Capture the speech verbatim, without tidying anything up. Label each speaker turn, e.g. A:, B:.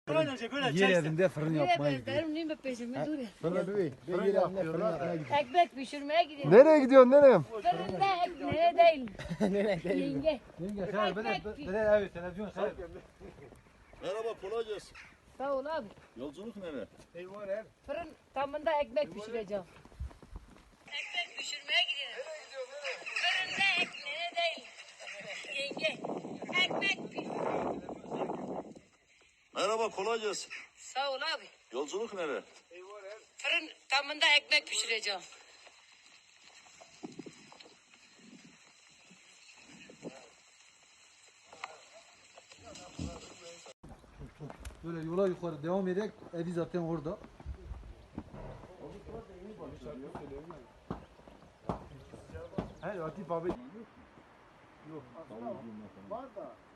A: Yer yerinde fırın yapmaya gidiyor.
B: Benim neyim peşime dur ya.
A: Fırın değil. Yer yerinde fırın yapmaya gidiyor.
B: Ekmek pişirmeye gidiyorum.
C: Nereye gidiyorsun nereye?
B: Fırında ekmeğe değil.
A: Nereye değil?
B: Yenge.
A: Yenge sen ben de ben de evet televizyon sen.
D: Merhaba, kolay gelsin.
B: Sağ ol abi.
D: Yolculuk nereye?
B: Fırın tamında ekmek pişireceğim. Ekmek pişirmeye gidiyorum. Fırında ekmeğe değil. Yenge. Ekmek pişir.
D: Merhaba, kolay gelsin.
B: Sağ ol abi.
D: Yolculuk nereye?
B: Fırın tamında ekmek pişireceğim.
A: Böyle yola yukarı devam ederek evi zaten orada.
C: He Latif abi. Yok. Var da.